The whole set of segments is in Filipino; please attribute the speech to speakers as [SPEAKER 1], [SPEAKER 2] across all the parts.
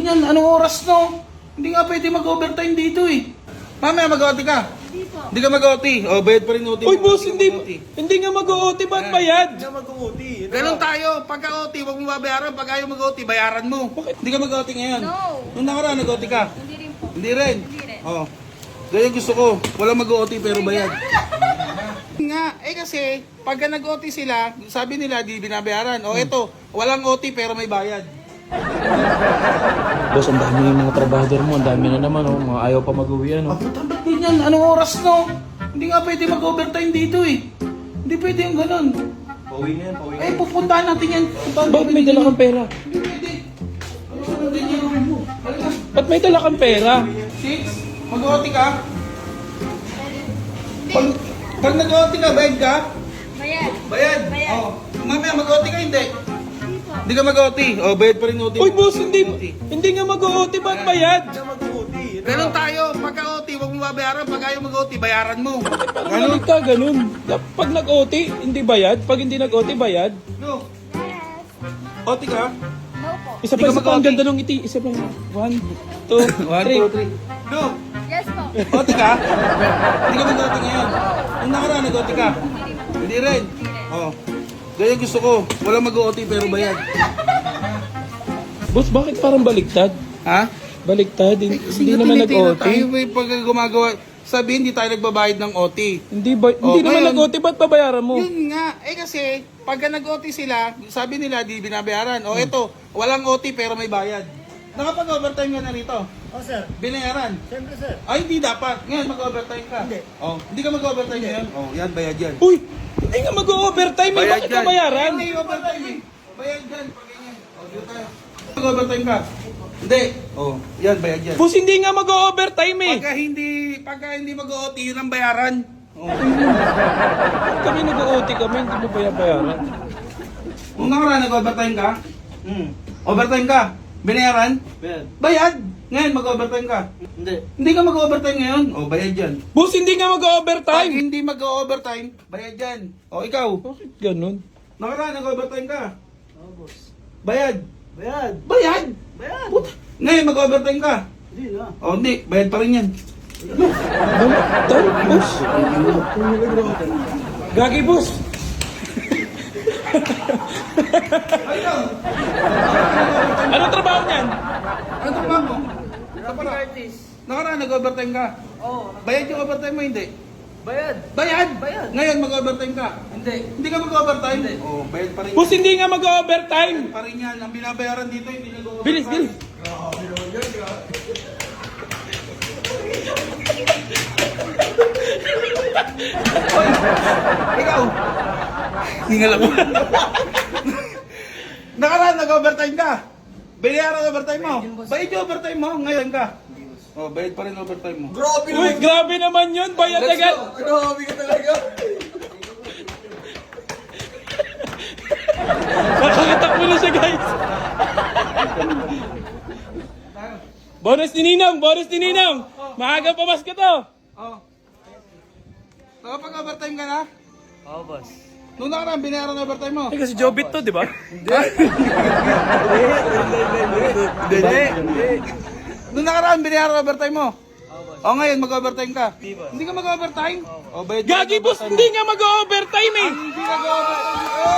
[SPEAKER 1] ganyan? Anong oras no? Hindi nga pwede mag-overtime dito eh. Mamaya mag-OT ka.
[SPEAKER 2] Hindi po.
[SPEAKER 1] Hindi ka mag-OT. O, bayad pa rin OT.
[SPEAKER 3] Uy, boss,
[SPEAKER 1] Hindi ka
[SPEAKER 3] hindi,
[SPEAKER 1] mag-OT.
[SPEAKER 3] hindi nga mag-OT, ba't bayad?
[SPEAKER 4] Hindi mag-uuti.
[SPEAKER 1] Ganun tayo. Pagka-OT, huwag mo babayaran. Pag ayaw mag-OT, bayaran mo. Hindi ka mag-OT ngayon.
[SPEAKER 2] No.
[SPEAKER 1] Nung nakaraan, nag-OT ka.
[SPEAKER 2] Hindi rin po.
[SPEAKER 1] Hindi rin.
[SPEAKER 2] Hindi rin.
[SPEAKER 1] Oh. Ganyan gusto ko. Walang mag-OT pero bayad. Nga, eh kasi, pagka nag-OT sila, sabi nila, di binabayaran. O eto, walang OT pero may bayad.
[SPEAKER 3] Boss, ang dami yung mga trabahador mo. Ang dami na naman, oh. Mga ayaw pa mag-uwi, ano.
[SPEAKER 1] Ba't ganyan? Anong oras no? Hindi nga pwede mag-overtime dito eh. Hindi pwede yung ganun.
[SPEAKER 4] Pauwi na yan, pauwi na
[SPEAKER 1] Eh, pupuntahan natin yan. Pupuntahan
[SPEAKER 3] Bakit may dala kang pera?
[SPEAKER 1] Hindi pwede. Ano ganyan? Halika.
[SPEAKER 3] Ba't may dala kang pera?
[SPEAKER 1] 6? Mag-OT ka? Pag nag-OT ka, bayad ka?
[SPEAKER 2] Bayad.
[SPEAKER 1] Bayad.
[SPEAKER 2] Bayad.
[SPEAKER 1] Oh. Mamaya mag-OT ka, hindi.
[SPEAKER 2] Hindi po.
[SPEAKER 1] Hindi ka mag-OT. Oh, bayad pa rin OT.
[SPEAKER 3] Uy, boss, hindi nga mag-OT, ba't bayad?
[SPEAKER 4] Hindi mag-uuti.
[SPEAKER 1] Ganun tayo. Pagka-OT, huwag mo babayaran. Pag ayaw mag-OT, bayaran mo.
[SPEAKER 3] Ganun ka, ganun. Pag nag-OT, hindi bayad. Pag hindi nag-OT, bayad.
[SPEAKER 1] No.
[SPEAKER 2] Yes.
[SPEAKER 1] OT ka?
[SPEAKER 2] No po.
[SPEAKER 3] Isa
[SPEAKER 1] Hindi ka
[SPEAKER 3] pa, ang
[SPEAKER 1] mag-OT.
[SPEAKER 3] ganda nung ngiti. Isa pa. 1, 2, 3.
[SPEAKER 1] No.
[SPEAKER 2] Yes po.
[SPEAKER 1] OT ka? Hindi ka mag-OT ngayon. Nung nakaraan, nag-OT ka? Hindi rin. Oh. Ganyan gusto ko. Walang mag-OT pero bayad.
[SPEAKER 3] Boss, bakit parang baliktad?
[SPEAKER 1] Ha?
[SPEAKER 3] Baliktad, hindi naman nag-OT.
[SPEAKER 1] Tayo may pag gumagawa. Sabihin, hindi tayo nagbabayad ng OT.
[SPEAKER 3] Hindi naman
[SPEAKER 1] ngayon,
[SPEAKER 3] nag-OT, ba't babayaran mo?
[SPEAKER 1] Yun nga. Eh kasi, pagka nag-OT sila, sabi nila, di binabayaran. O eto, walang OT pero may bayad. Nakapag-overtime ka na rito.
[SPEAKER 4] Oh, sir.
[SPEAKER 1] Binayaran.
[SPEAKER 4] Siyempre, sir.
[SPEAKER 1] Ay, hindi dapat. Ngayon, mag-overtime ka.
[SPEAKER 4] Hindi.
[SPEAKER 1] Oh, hindi ka mag-overtime ngayon? Oh, yan, bayad yan.
[SPEAKER 3] Uy, hindi nga mag-overtime eh. Bakit ka bayaran?
[SPEAKER 1] Hindi, overtime eh. Bayad yan. Pag ganyan. Oh, dito tayo. Mag-overtime ka. Hindi. Oh, yan, bayad yan.
[SPEAKER 3] Boss, hindi nga mag-overtime eh.
[SPEAKER 1] Pagka hindi mag-OT, yun ang bayaran. Oh.
[SPEAKER 3] Kami nag-OT kami, hindi mo bayaran.
[SPEAKER 1] Kung nakaraan, nag-overtime ka? Overtime ka? Binayaran?
[SPEAKER 4] Ben.
[SPEAKER 1] Bayad! Ngayon, mag-overtime ka.
[SPEAKER 4] Hindi.
[SPEAKER 1] Hindi ka mag-overtime ngayon? O, bayad yan.
[SPEAKER 3] Boss, hindi nga
[SPEAKER 1] Pag
[SPEAKER 3] mag-overtime.
[SPEAKER 1] hindi mag-overtime, bayad yan. O, ikaw,
[SPEAKER 3] Bakit ganun?
[SPEAKER 1] nakaraan, nag-overtime ka.
[SPEAKER 4] Oh, boss.
[SPEAKER 1] Bayad.
[SPEAKER 4] Bayad.
[SPEAKER 1] Bayad!
[SPEAKER 4] Bayad.
[SPEAKER 1] Puta. Ngayon, mag-overtime ka.
[SPEAKER 4] Hindi na.
[SPEAKER 1] O, hindi. Bayad pa rin yan.
[SPEAKER 3] Baliktad, boss. Gagi, boss.
[SPEAKER 1] Ay, ikaw!
[SPEAKER 3] Ano trabaho niyan?
[SPEAKER 1] Ano trabaho mo? Sa pala. Nakaraan, nag-overtime ka.
[SPEAKER 4] Oo.
[SPEAKER 1] Bayad yung overtime mo, hindi.
[SPEAKER 4] Bayad.
[SPEAKER 1] Bayad!
[SPEAKER 4] Bayad.
[SPEAKER 1] Ngayon, mag-overtime ka.
[SPEAKER 4] Hindi.
[SPEAKER 1] Hindi ka mag-overtime? Oo, bayad pa rin.
[SPEAKER 3] Boss, hindi nga mag-overtime.
[SPEAKER 1] Pa rin yan. Ang binabayaran dito, hindi nag-overtime.
[SPEAKER 3] Bilis, bilis.
[SPEAKER 1] Hoy! Ikaw! Hingal ako. Nakaraan, nag-overtime ka. Binayaran overtime mo. Bayad yung overtime mo. Ngayon ka. Oh, bayad pa rin overtime mo.
[SPEAKER 4] Grabe
[SPEAKER 3] Uy, grabe naman yun. Bayad agad.
[SPEAKER 4] Grabe ka talaga.
[SPEAKER 3] Nakakitak mo na siya, guys. Bonus ni Ninong, bonus ni Ninong. Maaga pa mas ka to.
[SPEAKER 1] Oh. Nakapag-overtime ka na?
[SPEAKER 4] Oo, boss.
[SPEAKER 1] Nung nakaraan, binayaran overtime mo.
[SPEAKER 3] Kasi Jobit to, di ba?
[SPEAKER 4] Hindi.
[SPEAKER 1] Nung nakaraan, binayaran overtime mo. O ngayon, mag-overtime ka. Hindi ka mag-overtime? O, bayad pa rin
[SPEAKER 3] Gagi, boss,
[SPEAKER 1] overtime
[SPEAKER 3] hindi
[SPEAKER 1] mo.
[SPEAKER 3] nga mag-overtime eh.
[SPEAKER 1] Hindi nag-overtime.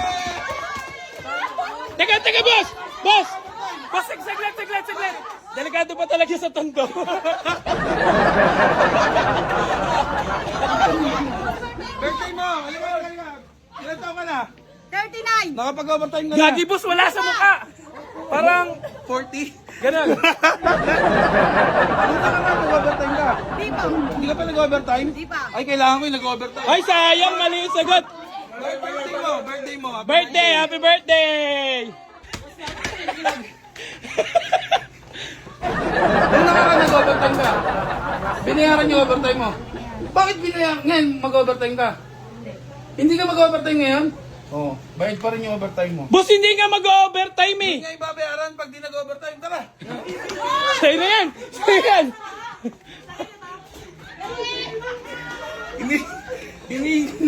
[SPEAKER 3] Teka, boss! Boss! Boss, saglit. Delikado pa talaga sa tondo.
[SPEAKER 1] Birthday mo! Halika. Ilan taon ka na?
[SPEAKER 2] 39.
[SPEAKER 1] Nakapag-overtime ka na?
[SPEAKER 3] Gagi, boss, wala sa mukha. Parang,
[SPEAKER 1] 40?
[SPEAKER 3] ganun.
[SPEAKER 1] Nung nakaraan, nag-overtime ka?
[SPEAKER 2] Hindi po.
[SPEAKER 1] Hindi ka pa nag-overtime?
[SPEAKER 2] Hindi pa.
[SPEAKER 1] Ay, kailangan ko yung nag-overtime.
[SPEAKER 3] Ay, sayang, mali yung sagot.
[SPEAKER 1] Birthday mo.
[SPEAKER 3] Birthday, happy birthday!
[SPEAKER 1] Nung nakaraan, nag-overtime ka? Binayaran yung overtime mo? Bakit binayaran? Ngayon, mag-overtime ka? Hindi ka mag-overtime ngayon? Oo. Bayad pa rin yung overtime mo.
[SPEAKER 3] Boss, hindi nga mag-overtime eh.
[SPEAKER 1] Hindi nga ibabayaran pag di nag-overtime. Tara!
[SPEAKER 3] Sa'yo na yan.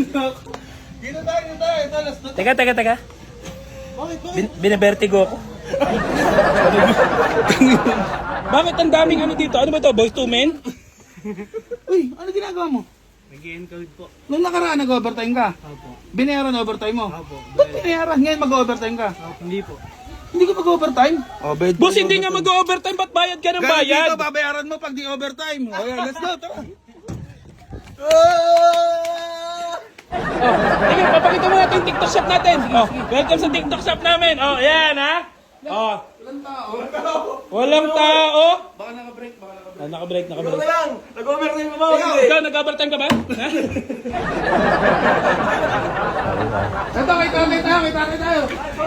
[SPEAKER 1] Dito tayo. Ito, last na.
[SPEAKER 3] Teka.
[SPEAKER 1] Bakit?
[SPEAKER 3] Binabertigo ako. Bakit ang daming ano dito? Ano ba to? Boys to men?
[SPEAKER 1] Uy, ano ginagawa mo?
[SPEAKER 4] Nag-encode po.
[SPEAKER 1] Nung nakaraan nag-overtime ka?
[SPEAKER 4] Opo.
[SPEAKER 1] Binayaran overtime mo?
[SPEAKER 4] Opo.
[SPEAKER 1] Ba't binayaran? Ngayon mag-overtime ka?
[SPEAKER 4] Hindi po.
[SPEAKER 1] Hindi ka mag-overtime? Oh, bayad
[SPEAKER 3] Boss,
[SPEAKER 1] ka
[SPEAKER 3] hindi nga mag-overtime. Ba't bayad ka ng bayad?
[SPEAKER 1] Dito, babayaran mo pag di overtime. O yan, let's go, tara.
[SPEAKER 3] Sige, papakita mo natin yung TikTok shop natin. Oh, welcome sa TikTok shop namin. Oh, ayan ha. Oh,
[SPEAKER 1] Walang tao.
[SPEAKER 3] walang tao.
[SPEAKER 1] Baka naka-break, baka naka-break.
[SPEAKER 3] Ah, nakabreak, nakabreak.
[SPEAKER 4] lang! Nag-overtime ba?
[SPEAKER 3] Ikaw, nag-overtime ka ba? Ha?
[SPEAKER 1] Ito, kita tayo.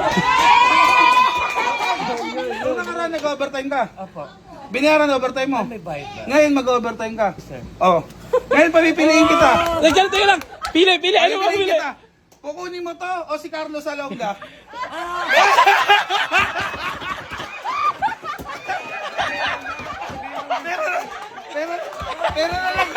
[SPEAKER 1] Nung nakaraan nag-overtime ka?
[SPEAKER 4] Opo.
[SPEAKER 1] Binayaran overtime mo?
[SPEAKER 4] May bayad ba?
[SPEAKER 1] Ngayon mag-overtime ka? Oh. Ngayon papipiliin kita.
[SPEAKER 3] Teka lang. Pili. Ano mo
[SPEAKER 1] Papipiliin
[SPEAKER 3] pili?
[SPEAKER 1] kita. Kukunin mo to o si Carlos Salonga? Pero na lang.